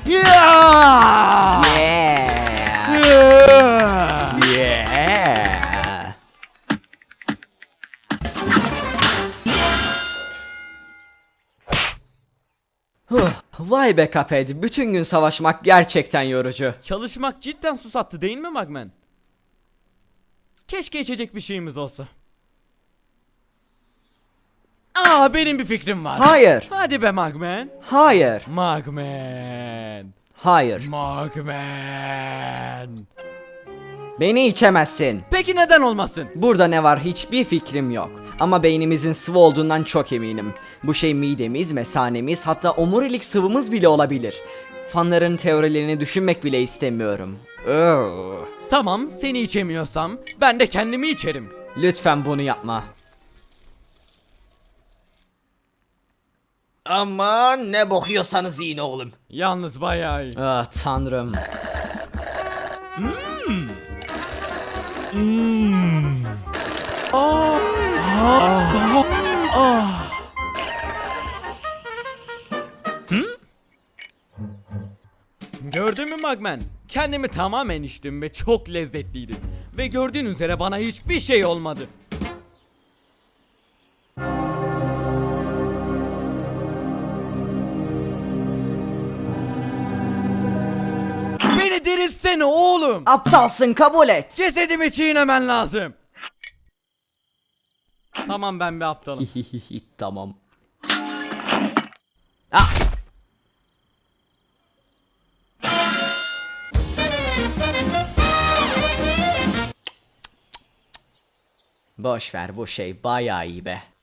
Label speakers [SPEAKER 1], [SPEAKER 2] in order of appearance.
[SPEAKER 1] Yeah!
[SPEAKER 2] Yeah.
[SPEAKER 1] Yeah! Vay be Cuphead, bütün gün savaşmak gerçekten yorucu.
[SPEAKER 2] Çalışmak cidden susattı değil mi Magman? Keşke içecek bir şeyimiz olsa. Benim bir fikrim var.
[SPEAKER 1] Hayır,
[SPEAKER 2] Hadi be Magman.
[SPEAKER 1] hayır,
[SPEAKER 2] Magman.
[SPEAKER 1] hayır.
[SPEAKER 2] Magman.
[SPEAKER 1] Beni içemezsin.
[SPEAKER 2] Peki neden olmasın?
[SPEAKER 1] Burada ne var hiçbir fikrim yok. Ama beynimizin sıvı olduğundan çok eminim. Bu şey midemiz, mesanemiz, hatta omurilik sıvımız bile olabilir. Fanların teorilerini düşünmek bile istemiyorum.
[SPEAKER 2] Tamam, seni içemiyorsam ben de kendimi içerim.
[SPEAKER 1] Lütfen bunu yapma. Aman ne bokuyorsanız yiyin oğlum.
[SPEAKER 2] Yalnız bayağı iyi.
[SPEAKER 1] Ah tanrım.
[SPEAKER 2] Gördün mü Magman? Kendimi tamamen içtim ve çok lezzetliydi. Ve gördüğün üzere bana hiçbir şey olmadı. Beni diriltsene oğlum.
[SPEAKER 1] Aptalsın, kabul et.
[SPEAKER 2] Cesedimi çiğnemen lazım. Tamam, ben bir aptalım.
[SPEAKER 1] Tamam. Ah. Boş ver, bu şey bayağı iyi be.